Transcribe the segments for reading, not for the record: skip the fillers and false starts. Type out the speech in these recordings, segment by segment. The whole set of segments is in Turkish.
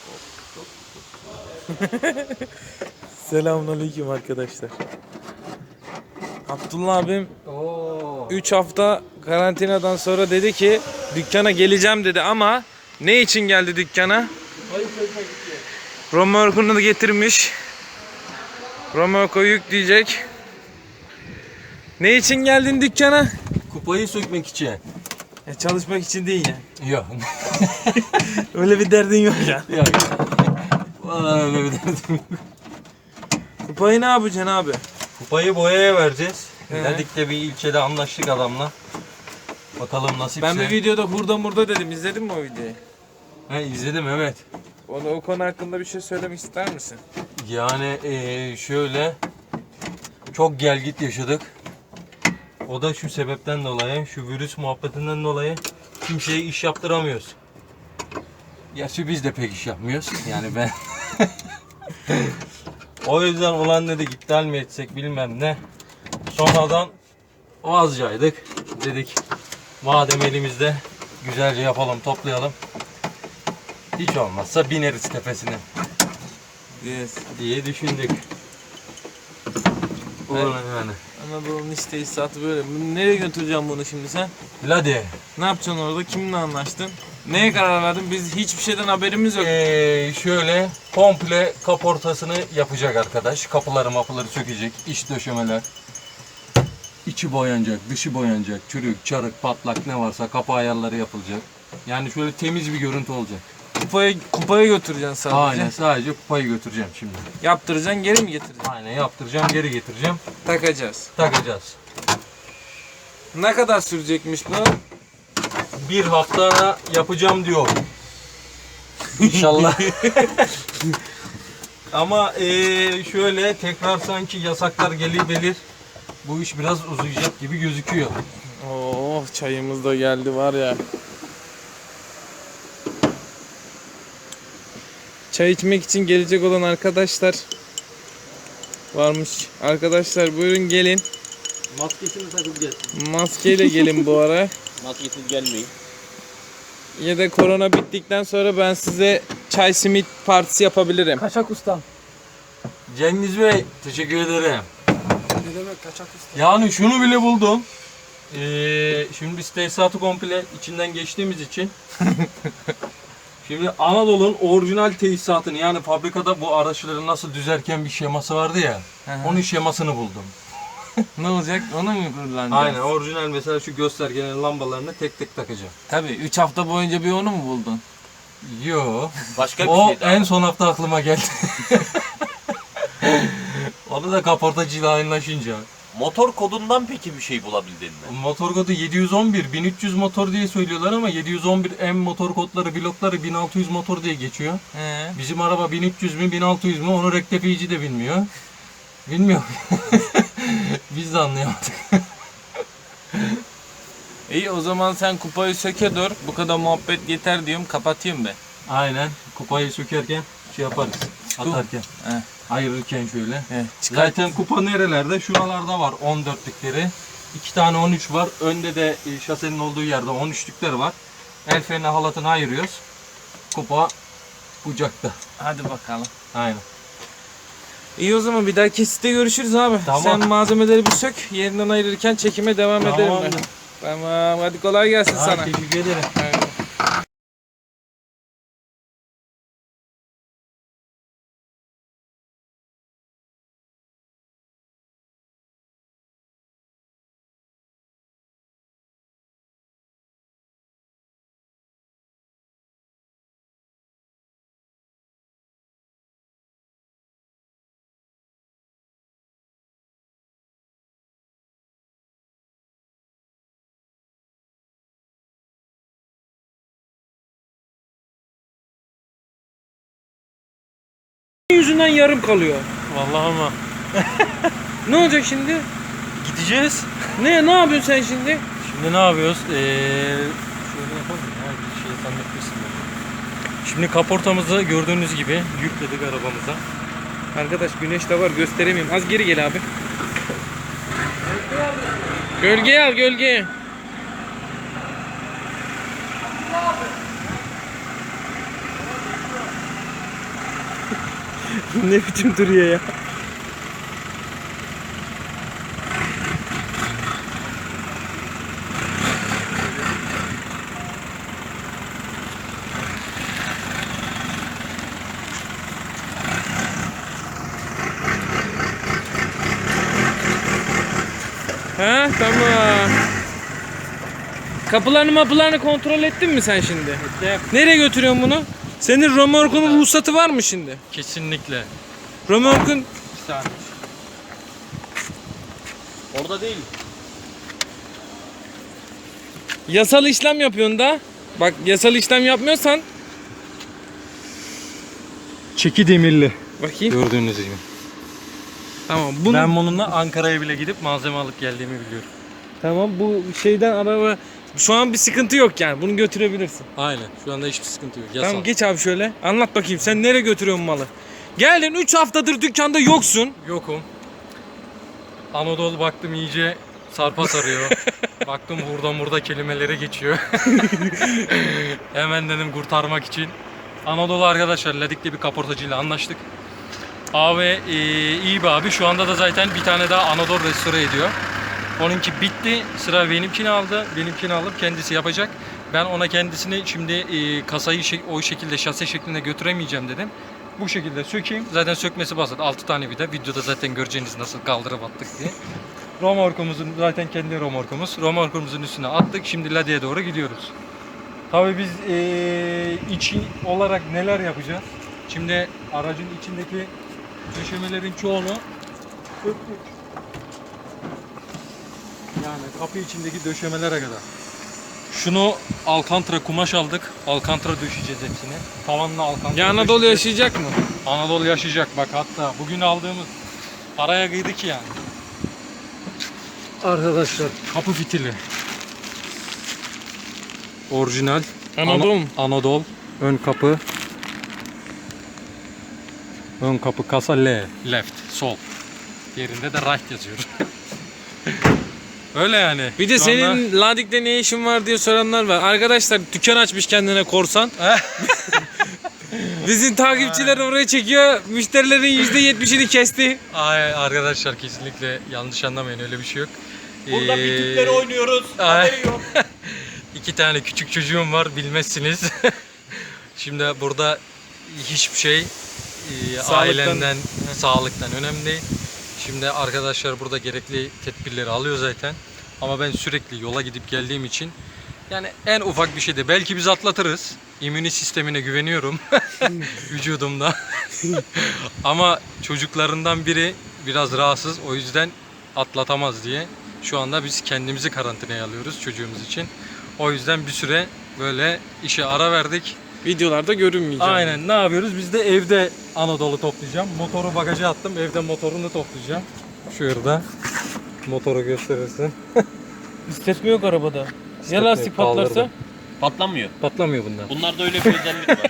Selamünaleyküm arkadaşlar. Abdullah abim 3 hafta karantinadan sonra dedi ki dükkana geleceğim dedi ama ne için geldi dükkana? Römorkunu da getirmiş. Römorku yükleyecek. Ne için geldin dükkana? Kupayı sökmek için. Çalışmak için değil yani. Yok. Öyle bir derdin yok ya. Yok. Vallahi öyle bir derdim yok. Kupayı ne yapacaksın abi? Kupayı boyaya vereceğiz. He. Dedik de bir ilçede anlaştık adamla. Bakalım nasipse. Ben bir videoda hurda murda dedim. İzledin mi o videoyu? He, izledim evet. O konu hakkında bir şey söylemek ister misin? Yani şöyle çok gel git yaşadık. O da şu sebepten dolayı, şu virüs muhabbetinden dolayı kimseye iş yaptıramıyoruz. Gerçi biz de pek iş yapmıyoruz. Yani ben. O yüzden ulan dedik iptal mi etsek bilmem ne. Sonradan vazcaydık. Dedik madem elimizde güzelce yapalım, toplayalım. Hiç olmazsa bineriz tepesine. Yes. Diye düşündük. Evet. Yani. Anadolu'nun iş tesisatı böyle. Nereye götüreceğim bunu şimdi sen? Hadi. Ne yapacaksın orada? Kiminle anlaştın? Neye karar verdin? Biz hiçbir şeyden haberimiz yok. Şöyle komple kaportasını yapacak arkadaş. Kapıları mapıları sökecek. İç döşemeler. İçi boyanacak, dışı boyanacak. Çürük, çarık, patlak ne varsa kapı ayarları yapılacak. Yani şöyle temiz bir görüntü olacak. Kupaya götüreceksin sadece. Aynen, sadece kupayı götüreceğim şimdi. Yaptıracaksın, geri mi getireceksin? Aynen, yaptıracağım, geri getireceğim. Takacağız. Takacağız. Ne kadar sürecekmiş bu? Bir hafta yapacağım diyor. İnşallah. Ama şöyle tekrar sanki yasaklar gelir. Bu iş biraz uzayacak gibi gözüküyor. Oh, çayımız da geldi var ya. Çay içmek için gelecek olan arkadaşlar varmış. Arkadaşlar buyurun gelin. Maskesini takıp gelsin. Maskeyle gelin bu ara. Maskesiz gelmeyin. Ya da korona bittikten sonra ben size çay simit partisi yapabilirim. Kaçak ustam. Cengiz Bey, teşekkür ederim. Ne demek kaçak ustam? Yani şunu bile buldum. Şimdi biz tesisatı komple içinden geçtiğimiz için şimdi Anadolu'nun orijinal tesisatını, yani fabrikada bu araçları nasıl düzerken bir şeması vardı ya. Onun şemasını buldum. Ne olacak? Onu mu kullanacağız? Aynen, orijinal mesela şu göstergenin lambalarını tek tek takacağım. Tabii 3 hafta boyunca bir onu mu buldun? Yo. Başka bir O şey daha. en son hafta aklıma geldi. Onu da kaportacıyla aynılaşınca. Motor kodundan peki bir şey bulabildin mi? Motor kodu 711, 1300 motor diye söylüyorlar ama 711 M motor kodları, blokları 1600 motor diye geçiyor. Bizim araba 1300 mü 1600 mü onu rektifiyici de bilmiyor. Bilmiyor. Biz de anlayamadık. İyi o zaman sen kupayı söke dur. Bu kadar muhabbet yeter diyorum. Kapatayım ben. Aynen, kupayı sökerken şey yaparız. Atarken. He. Ayırırken şöyle. He, çıkar. Zaten kupa nerelerde? Şuralarda var 14'lükleri. 2 tane 13 var. Önde de şasenin olduğu yerde 13'lükler var. El freni halatını ayırıyoruz. Kupa bucakta. Hadi bakalım. Aynen. İyi o zaman bir daha kesitte görüşürüz abi. Tamam. Sen malzemeleri bir sök. Yerinden ayırırken çekime devam edelim ben. Tamamdır. Tamam hadi kolay gelsin sana. Teşekkür ederim. Aynen. Yüzünden yarım kalıyor. Vallahi ama. Ne olacak şimdi? Gideceğiz. Ne yapıyorsun sen şimdi? Şimdi ne yapıyoruz? Şöyle yapalım ya. Bir şey zannetmesin. Şimdi kaportamızı gördüğünüz gibi yükledik arabamıza. Arkadaş güneş de var gösteremiyorum. Az geri gel abi. Gölgeye al gölgeye. Ne biçim duruyor ya. Ha tamam. Kapılarını kontrol ettin mi sen şimdi? Ettim. Nereye götürüyorsun bunu? Senin römorkunun ruhsatı var mı şimdi? Kesinlikle. Römorkun Bir saniye. Orada değil. yasal işlem yapıyorsun da. Bak yasal işlem yapmıyorsan Çeki demirli. bakayım. Gördüğünüz gibi. Tamam bunu Ben bununla Ankara'ya bile gidip malzeme alıp geldiğimi biliyorum. tamam bu şeyden araba şu an bir sıkıntı yok yani. Bunu götürebilirsin. Aynen. Şu anda hiçbir sıkıntı yok. Yasal. Tamam geç abi şöyle. Anlat bakayım sen nereye götürüyorsun malı? Geldin 3 haftadır dükkanda yoksun. Yokum. Anadolu baktım iyice sarpa sarıyor. Baktım burada kelimelere geçiyor. Hemen dedim kurtarmak için. Anadolu arkadaşlar Ladik'te bir kaportacıyla anlaştık. Abi iyi bir abi. Şu anda da zaten bir tane daha Anadolu restore ediyor. Onunki bitti. Sıra benimkini aldı. Benimkini alıp kendisi yapacak. Ben ona kendisini şimdi kasayı o şekilde şase şeklinde götüremeyeceğim dedim. Bu şekilde sökeyim. Zaten sökmesi basit. 6 tane vida. Videoda zaten göreceğiniz nasıl kaldırıp attık diye. Romorkumuzun zaten kendi romorkumuz. Romorkumuzun üstüne attık. Şimdi Ladi'ye doğru gidiyoruz. Tabii biz içi olarak neler yapacağız? Şimdi aracın içindeki döşemelerin çoğunu söktük. Yani kapı içindeki döşemelere kadar. Şunu Alcantara kumaş aldık. Alcantara döşeyeceğiz hepsini. Tavanla Alcantara Ya Anadolu döşeyeceğiz. yaşayacak mı? Anadolu yaşayacak bak, hatta bugün aldığımız paraya kıydık yani. Arkadaşlar kapı fitili. Orijinal. Anadolu mu? Anadolu. Ön kapı. Ön kapı kasa L. Left. Sol. Yerinde de right yazıyor. Öyle yani. Bir de Şu senin anda- Ladik'te ne işin var diye soranlar var. Arkadaşlar dükkan açmış kendine korsan. Bizim takipçiler oraya çekiyor. Müşterilerin %70'ini kesti. Ay arkadaşlar kesinlikle yanlış anlamayın, öyle bir şey yok. Burada bitükleri oynuyoruz. ay. Haberi yok. 2 tane küçük çocuğum var, bilmezsiniz. Şimdi burada hiçbir şey ailenden, sağlıktan önemli değil. Şimdi arkadaşlar burada gerekli tedbirleri alıyor zaten. Ama ben sürekli yola gidip geldiğim için yani en ufak bir şeyde belki biz atlatırız. İmmün sistemine güveniyorum vücudumda. Ama çocuklarından biri biraz rahatsız, o yüzden atlatamaz diye. Şu anda biz kendimizi karantinaya alıyoruz çocuğumuz için. O yüzden bir süre böyle işe ara verdik. Videolarda görünmeyecek. Aynen, ne yapıyoruz? Biz de evde Anadolu toplayacağım. Motoru bagaja attım. Evde motorunu toplayacağım. Şurada motoru gösterirsin. İstetme yok arabada. Ya lastik patlarsa? Kaldırdım. Patlamıyor. Patlamıyor bunlar. Bunlarda öyle bir özellik var.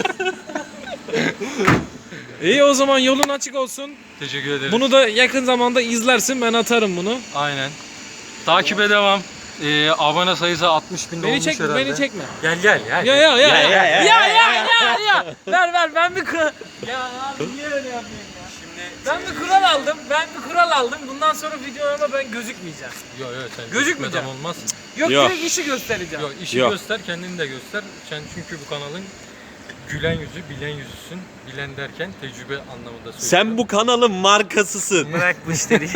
İyi o zaman yolun açık olsun. Teşekkür ederim. Bunu da yakın zamanda izlersin. Ben atarım bunu. Aynen. Takibe devam. Abone sayısı 60.000 Beni olmuş çekme, herhalde. beni çekme. Gel gel. Ya ya ya ya ya, ya. Ver ben bir kural. Ya abi niye öyle yapıyorsun ya? Ben bir kural aldım. Bundan sonra videolarıma ben gözükmeyeceğim. Yok sen Gözükmeyeceğim. gözükmeden olmaz. Yok, Yok. direkt işi göstereceğim. Yok işi Yok. göster, kendini de göster. Sen çünkü bu kanalın gülen yüzü, bilen yüzüsün. Bilen derken tecrübe anlamında söylüyorum. Sen bu kanalın markasısın. Bırak bu işleri.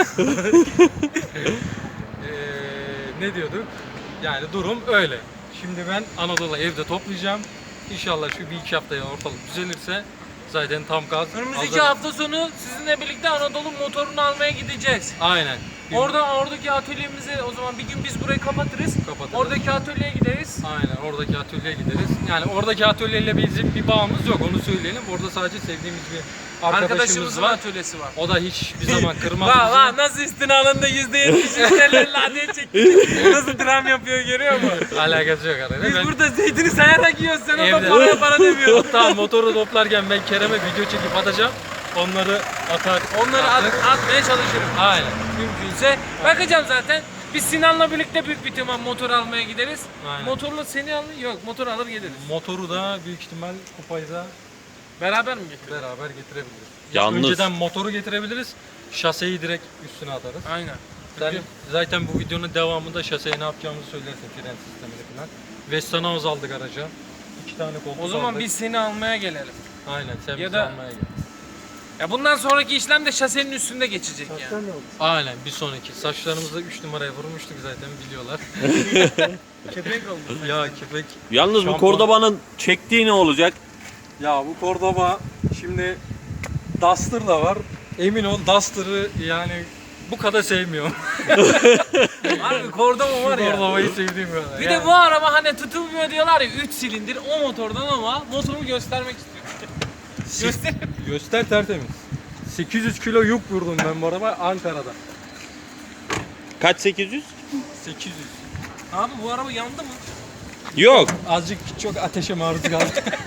Ne diyorduk? Yani durum öyle. Şimdi ben Anadolu evde toplayacağım. İnşallah şu 1-2 haftaya ortalık düzelirse zaten tam gaz. Önümüzdeki hazır. hafta sonu sizinle birlikte Anadolu motorunu almaya gideceğiz. Aynen. Oradaki atölyemizi o zaman bir gün biz burayı kapatırız. Kapatırız. Oradaki atölyeye gideriz. Aynen, oradaki atölyeye gideriz. Yani oradaki atölyeyle bizim bir bağımız yok, onu söyleyelim. Orada sadece sevdiğimiz bir arkadaşımız Arkadaşımızın var. atölyesi var. O da hiçbir zaman kırmaz Vah bizi. vah nasıl istinalında %70 müşteriler ladeye çekti. Nasıl dram yapıyor görüyor musun? Alakası yok arada. Biz Ben burada zeytini sayarak yiyoruz sen orada Evde. para demiyorsun. hatta motoru toplarken ben Kerem'e video çekip atacağım. Onları atar. Onları atmaya çalışırım. Aynen. Mümkünse. Bakacağım zaten. Biz Sinan'la birlikte büyük bir ihtimal motor almaya gideriz. Aynen. Motorla seni alır yok motor alır geliriz. Motoru da büyük ihtimal Kupay'da Beraber mi getirelim? Beraber getirebiliriz. Yalnız- Önceden motoru getirebiliriz. Şaseyi direkt üstüne atarız. Aynen. Sen Çünkü- zaten bu videonun devamında şaseye ne yapacağımızı söylersin, fren sistemini falan. Vestanoz aldık araca. 2 tane koltuk O zaman aldık. biz seni almaya gelelim. Aynen sen Ya bizi da- almaya gel. Ya bundan sonraki işlem de şasenin üstünde geçecek yani. Sen ne oldu? Aynen bir sonraki. Saçlarımızda 3 numaraya vurmuştuk zaten biliyorlar. Köpek oldu. Ya köpek. Yalnız bu Şampuan- Cordoba'nın çektiği ne olacak? Ya bu Cordoba şimdi Duster da var. Emin ol Duster'ı yani bu kadar sevmiyorum. Harbi Cordoba var ya. Cordoba'yı sevdiğim kadar. Bir de bu araba hani tutulmuyor diyorlar ya 3 silindir o motordan ama motorumu göstermek istiyorum. Göster. Göster tertemiz. 800 kilo yük vurdum ben bu araba Ankara'da. Kaç 800? 800. Abi bu araba yandı mı? Yok. Azıcık çok ateşe maruz kaldı.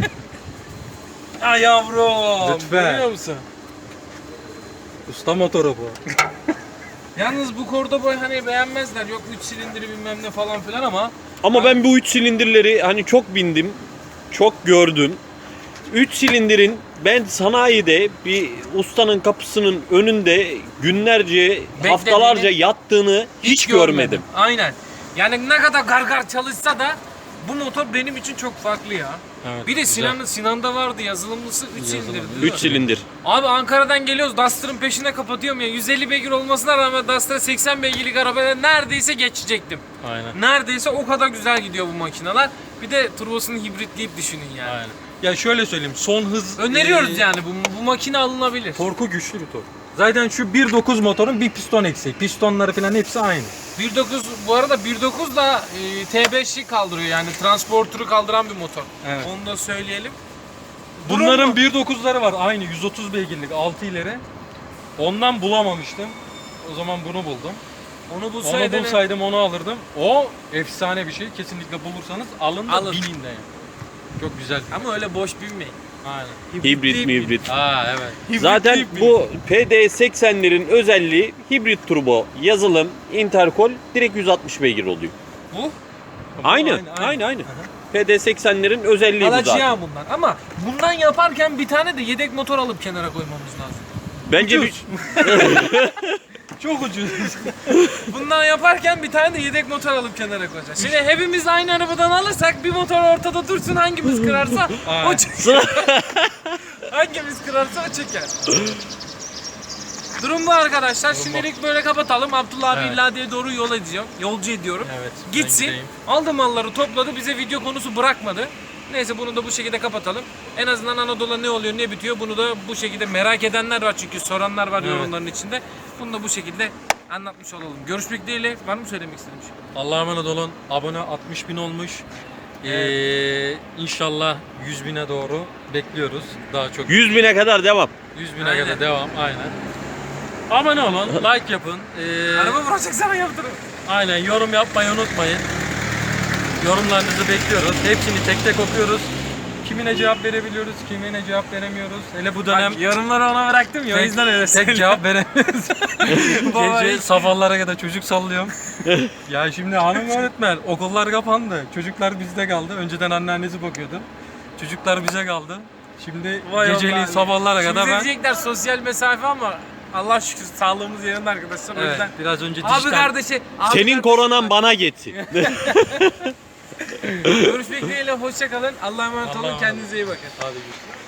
Ha yavrum. Lütfen. Görüyor musun? Usta motoru bu. Yalnız bu Cordoba'yı hani beğenmezler. Yok 3 silindiri bilmem ne falan filan ama Ama ben bu 3 silindirleri hani çok bindim. Çok gördüm. 3 silindirin ben sanayide bir ustanın kapısının önünde günlerce, haftalarca yattığını hiç görmedim. Aynen. Yani ne kadar gargar çalışsa da bu motor benim için çok farklı ya. Evet, Bir de güzel. Sinan'da vardı yazılımlısı 3 silindir. değil mi? 3 silindir. Abi Ankara'dan geliyoruz Duster'ın peşine kapatıyorum ya. 150 beygir olmasına rağmen Duster'a 80 beygirlik arabaya neredeyse geçecektim. Aynen. Neredeyse o kadar güzel gidiyor bu makineler. Bir de turbosunu hibritleyip düşünün yani. Aynen. Ya şöyle söyleyeyim son hız Öneriyoruz yani bu makine alınabilir. torku güçlü bir tork. Zaten şu 1.9 motorun bir piston eksiği. Pistonları falan hepsi aynı. 1.9 bu arada 1.9 da T5'i kaldırıyor yani transporter'ı kaldıran bir motor. Evet. Onu da söyleyelim. Bunların 1.9'ları var aynı 130 beygirlik 6 ileri. Ondan bulamamıştım. O zaman bunu buldum. Onu Onu bulsaydın bulsaydım onu alırdım. O efsane bir şey. Kesinlikle bulursanız alın da Alın. binin de yani. Çok güzel. ama öyle boş binmeyin. Aynen. Hibrit mi hibrit? Aa evet. Zaten bu PD80'lerin özelliği hibrit turbo, yazılım, interkol direkt 160 beygir oluyor. Bu Aynı. PD80'lerin özelliği bu zaten. alacağım bundan ama bundan yaparken bir tane de yedek motor alıp kenara koymamız lazım. Bence bir, Çok ucuz. Bundan yaparken bir tane de yedek motor alıp kenara koyacağız. Şimdi hepimiz aynı arabadan alırsak bir motor ortada dursun hangimiz kırarsa o Aynen. çeker. Hangimiz kırarsa o çeker. Durum bu arkadaşlar. Şimdilik böyle kapatalım. Abdullah abi Evet. illa diye doğru yol ediyorum. Yolcu ediyorum. Evet, ben Gitsin. gideyim. Aldı malları topladı. Bize video konusu bırakmadı. Neyse bunu da bu şekilde kapatalım. En azından Anadolu'da ne oluyor ne bitiyor bunu da bu şekilde merak edenler var çünkü soranlar var Evet. yorumların içinde. Bunu da bu şekilde anlatmış olalım. Görüşmek dileğiyle. Var mı söylemek istediğim şey? Allah'a emanet olun. Abone 60 bin olmuş. İnşallah 100 bine doğru bekliyoruz. Daha çok 100 bine kadar devam. 100 bine Aynen. kadar devam. Aynen. Abone olun, like yapın. Araba vuracak sana yaptırın. Aynen yorum yapmayı unutmayın. Yorumlarınızı bekliyoruz. Hepsini tek tek okuyoruz. Kimine cevap verebiliyoruz, kimine cevap veremiyoruz. Hele bu dönem Bak, yorumları ona bıraktım ya o yüzden öyle tek söylüyorum. cevap veremiyoruz. Baba, Gece hiç- sabahlara kadar çocuk sallıyorum. Ya şimdi hanım öğretmen, okullar kapandı. Çocuklar bizde kaldı. Önceden anneannesi bakıyordu. Çocuklar bize kaldı. Şimdi Vay geceliğin Allah'ım. sabahlara Şimdi kadar ben... diyecekler sosyal mesafe ama Allah şükür sağlığımız yerinde arkadaşlar o Evet, yüzden. biraz önce Abi dijital... kardeşi. Abi Senin kardeşi- koronan bana geçsin. Görüşmek dileğiyle hoşça kalın. Allah'a emanet Allah'a olun. emanet Kendinize iyi bakın. Hadi görüşürüz.